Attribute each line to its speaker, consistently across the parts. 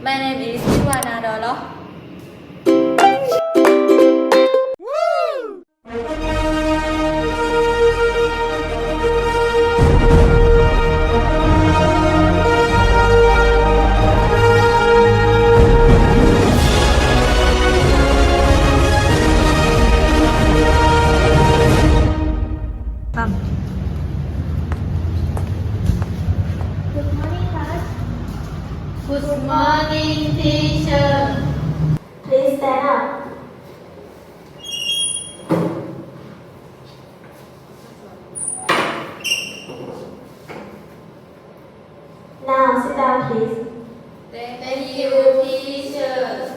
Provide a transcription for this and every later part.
Speaker 1: My name is Ivana Dolo.
Speaker 2: Good morning, class.
Speaker 3: Good morning, teacher.
Speaker 2: Please stand up. Now sit down, please.
Speaker 3: Thank you, teacher.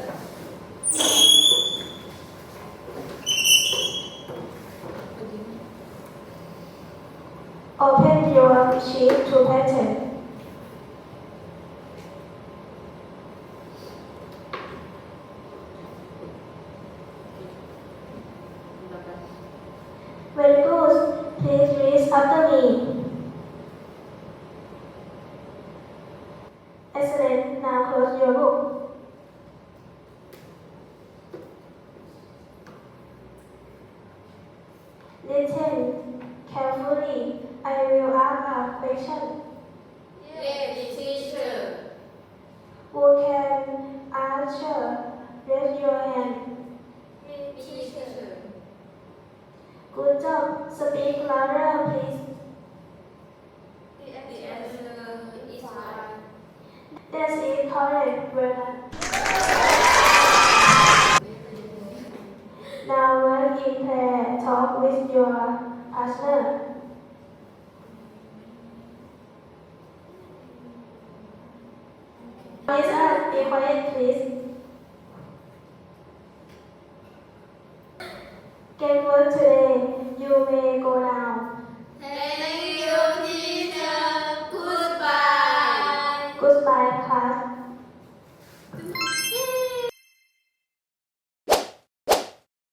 Speaker 2: Open your sheet to pattern. Very good. Please read after me. Excellent. Now close your book. Listen carefully. I will ask a question.
Speaker 3: Yes, teacher.
Speaker 2: Who can answer? Raise your hand.
Speaker 3: Teacher.
Speaker 2: Good job. Speak louder, please.
Speaker 3: The answer is one.
Speaker 2: That is correct. Well done. Now work in pair. Talk with your partner. Be quiet, please. Get work today. You may go now.
Speaker 3: Thank you, teacher. Goodbye.
Speaker 2: Goodbye, class.